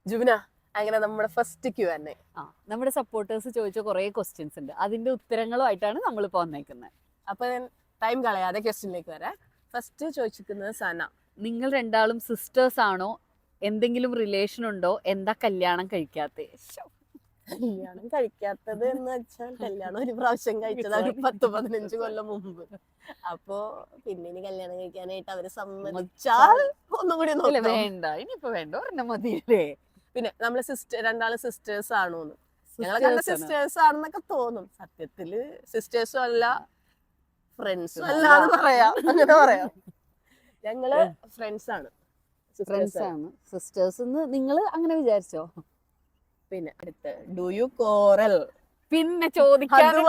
ജുബിന, അങ്ങനെ നമ്മുടെ first Q&A. നമ്മുടെ സപ്പോർട്ടേഴ്സ് ചോദിച്ച കുറെ ക്വസ്റ്റ്യൻസ് ഉണ്ട്, അതിന്റെ ഉത്തരങ്ങളുമായിട്ടാണ് നമ്മളിപ്പോ വന്നേക്കുന്നത്. അപ്പൊ ടൈം കളയാതെ ക്വസ്റ്റ്യനിലേക്ക് വരാം. ഫസ്റ്റ് ചോദിച്ചിരിക്കുന്നത് സന. നിങ്ങൾ രണ്ടാളും സിസ്റ്റേഴ്സ് ആണോ? എന്തെങ്കിലും റിലേഷൻ ഉണ്ടോ? എന്താ കല്യാണം കഴിക്കാത്തെ? കല്യാണം കഴിക്കാത്തത് എന്ന് വെച്ചാൽ കല്യാണം ഒരു പ്രാവശ്യം കഴിച്ചത് ഒരു 10-15 കൊല്ലം മുമ്പ്. അപ്പോ പിന്നെ ഇനി കല്യാണം കഴിക്കാനായിട്ട് അവര് സമ്മതിച്ചാൽ ഒന്നും കൂടി നോക്കാം. വേണ്ട, ഇനിയിപ്പോ വേണ്ട, ഒരെണ്ണം മതിയല്ലേ. പിന്നെ നമ്മള് രണ്ടാള് സിസ്റ്റേഴ്സ് ആണോന്ന്, ഞങ്ങളെ കണ്ട സിസ്റ്റേഴ്സ് ആണെന്നൊക്കെ തോന്നും. സത്യത്തില് സിസ്റ്റേഴ്സും അല്ല ഫ്രണ്ട്സും അല്ല എന്ന് പറയാം, അങ്ങനെ പറയാം. ഞങ്ങള് ഫ്രണ്ട്സ് ആണ്. സിസ്റ്റേഴ്സ് നിങ്ങൾ അങ്ങനെ വിചാരിച്ചോ? പിന്നെ അടുത്ത് ഡു യു കോറൽ? പിന്നെ ചോദിക്കാൻ അത്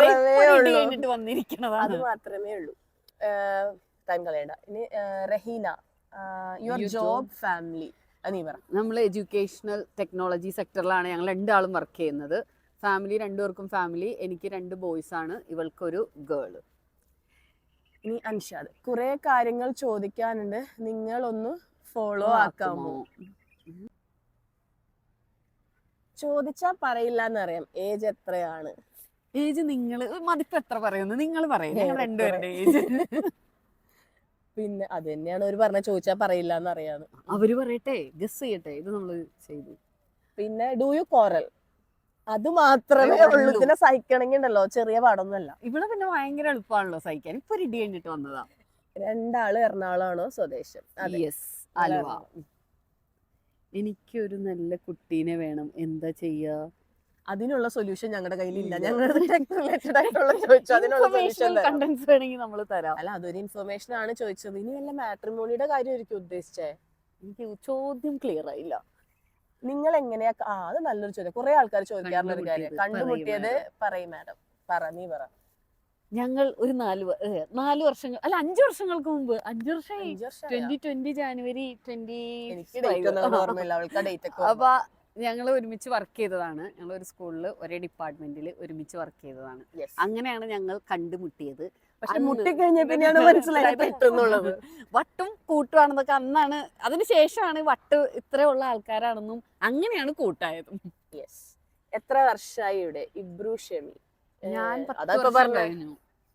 മാത്രമേ ഉള്ളൂ. ടൈം കളയണ്ട. ഇനി റഹീന, യുവർ ജോബ് ഫാമിലി നീ പറ. നമ്മൾ എഡ്യൂക്കേഷണൽ ടെക്നോളജി സെക്ടറിലാണ് ഞങ്ങൾ രണ്ടാളും വർക്ക് ചെയ്യുന്നത്. ഫാമിലി, രണ്ടുപേർക്കും ഫാമിലി. എനിക്ക് 2 ബോയ്സ് ആണ്, ഇവൾക്കൊരു ഗേള്. ഇനി അൻഷാദ്, കുറെ കാര്യങ്ങൾ ചോദിക്കാനുണ്ട്, നിങ്ങൾ ഒന്ന് ഫോളോ ആക്കാമോ? ചോദിച്ചാ പറയില്ല എന്നറിയാം. ഏജ് എത്രയാണ്? ഏജ് നിങ്ങൾ മതിപ്പ് എത്ര പറയുന്നു? നിങ്ങൾ പറയുന്നത് രണ്ടുപേരുടെ ഏജ്. പിന്നെ അത് തന്നെയാണ് അവര് പറഞ്ഞ, ചോദിച്ചാ പറയില്ല എന്നറിയാന്ന്. അവര് പറയട്ടെ, ഗസ് ചെയ്യട്ടെ, ഇത് നമ്മള് ചെയ്തു. പിന്നെ ഡു യു കോറൽ? അത് മാത്രമേ ഉള്ളൂ. ഇതിനെ സഹിക്കണമെങ്കിൽ ഉണ്ടല്ലോ, ചെറിയ പാടൊന്നുമല്ല. ഇവിടെ പിന്നെ ഭയങ്കര എളുപ്പമാണല്ലോ സഹിക്കാൻ. ഇപ്പൊ ഇടി കഴിഞ്ഞിട്ട് വന്നതാ. രണ്ടാള് എറണാകുളമാണോ സ്വദേശം? യെസ്, ആലുവ. എനിക്കൊരു നല്ല കുട്ടീനെ വേണം, എന്താ ചെയ്യാ? അതിനുള്ള സൊല്യൂഷൻ ഞങ്ങളുടെ കയ്യിലില്ല. ഞങ്ങളുടെ റിലേറ്റഡ് ആയിട്ടുള്ള ചോദിച്ചു, അതിനുള്ള സൊല്യൂഷൻ കണ്ടൻസ് വേണമെങ്കിൽ നമ്മൾ തരാം. അല്ല, അതൊരു ഇൻഫർമേഷൻ ആണ് ചോദിച്ചത്. ഇനി വല്ല മാട്രിമോണിയുടെ കാര്യമായിരിക്കും ഉദ്ദേശിച്ചേ. എനിക്ക് ചോദ്യം ക്ലിയർ ആയില്ല. നിങ്ങൾ എങ്ങനെയാ? അത് നല്ലൊരു ചോദ്യം, കുറെ ആൾക്കാർ ചോദിക്കാറുള്ള ഒരു കാര്യം. കണ്ടുമുട്ടിയത് പറയും മാഡം. നീ പറ. ഞങ്ങൾ ഒരു 4 വർഷങ്ങൾ, അല്ല 5 വർഷങ്ങൾക്ക് മുമ്പ്. 5 വർഷമായി. 2020 ജാനുവരി 20. അപ്പൊ ഞങ്ങൾ ഒരുമിച്ച് വർക്ക് ചെയ്തതാണ്. ഞങ്ങൾ ഒരു സ്കൂളിൽ ഒരേ ഡിപ്പാർട്ട്മെന്റിൽ ഒരുമിച്ച് വർക്ക് ചെയ്തതാണ്. അങ്ങനെയാണ് ഞങ്ങൾ കണ്ടുമുട്ടിയത്. പക്ഷെ മുട്ടിക്കഴിഞ്ഞ പിന്നെയാണ് മനസ്സിലായത് വട്ടും കൂട്ടുവാണെന്നൊക്കെ അന്നാണ്. അതിനുശേഷമാണ് വട്ട് ഇത്രയുള്ള ആൾക്കാരാണെന്നും അങ്ങനെയാണ് കൂട്ടായതും. എത്ര വർഷമായി ഇവിടെ? ഇബ്രു ഷെമി. ഞാൻ 10 വർഷം.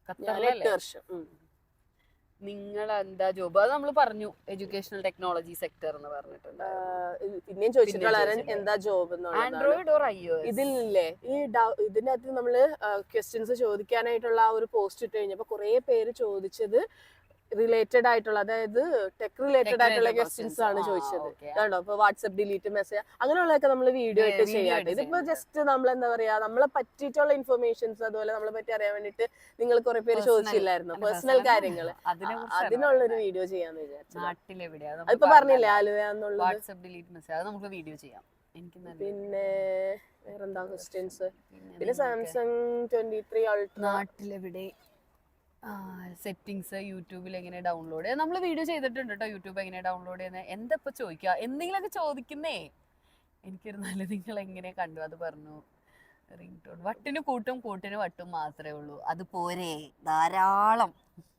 നിങ്ങൾ എന്താ ജോബ്? അത് നമ്മൾ പറഞ്ഞു, എഡ്യൂക്കേഷണൽ ടെക്നോളജി സെക്ടർ എന്ന് പറഞ്ഞിട്ടുണ്ട്. പിന്നെയും ചോദിച്ചിട്ടുള്ള എന്താ ജോബ്? Android or iOS? ഇതില്ലേ ഇതിനകത്ത് നമ്മള് ക്വസ്റ്റ്യൻസ് ചോദിക്കാനായിട്ടുള്ള ആ ഒരു പോസ്റ്റ് ഇട്ട് കഴിഞ്ഞപ്പോ കുറെ പേര് ചോദിച്ചത് റിലേറ്റഡ് ആയിട്ടുള്ള, അതായത് ടെക് റിലേറ്റഡ് ആയിട്ടുള്ള ക്വസ്റ്റ്യൻസ് ആണ് ചോദിച്ചത്. കണ്ടോ, ഇപ്പൊ വാട്സ്ആപ്പ് ഡിലീറ്റ് മെസ്സേജ് അങ്ങനെയുള്ളതൊക്കെ നമ്മൾ വീഡിയോ ആയിട്ട് ചെയ്യാറുണ്ട്. ഇതിപ്പോ ജസ്റ്റ് നമ്മൾ എന്താ പറയാ, നമ്മളെ പറ്റിയിട്ടുള്ള ഇൻഫർമേഷൻസ്, അതുപോലെ നമ്മളെ പറ്റി അറിയാൻ വേണ്ടിട്ട് നിങ്ങൾ കുറെ പേര് ചോദിച്ചില്ലായിരുന്നു, പേഴ്സണൽ കാര്യങ്ങൾ. അതിനുള്ളൊരു വീഡിയോ ചെയ്യാന്ന് വിചാരിച്ചു. അതിപ്പോ പറഞ്ഞില്ലേ ആലുവ എന്നുള്ളത്. വാട്സ്ആപ്പ് ഡിലീറ്റ് മെസ്സേജ് അത് നമുക്ക് വീഡിയോ ചെയ്യാം. പിന്നെ വേറെന്താ ക്വസ്റ്റ്യൻസ്? പിന്നെ സാംസങ് 23 അൾട്രാ നാട്ടിലെവിടെ? സെറ്റിങ്സ് യൂട്യൂബിൽ എങ്ങനെ ഡൗൺലോഡ്? നമ്മൾ വീഡിയോ ചെയ്തിട്ടുണ്ട് കേട്ടോ, യൂട്യൂബ് എങ്ങനെ ഡൗൺലോഡ് ചെയ്യുന്നത്. എന്താ ഇപ്പൊ ചോദിക്കുക? എന്തെങ്കിലുമൊക്കെ ചോദിക്കുന്നേ. എനിക്കൊരു നല്ല നിങ്ങൾ എങ്ങനെ കണ്ടു അത് പറഞ്ഞു. Ring tone. വട്ടിന് കൂട്ടും കൂട്ടിന് വട്ടും മാത്രമേ ഉള്ളൂ, അത് പോരെ, ധാരാളം.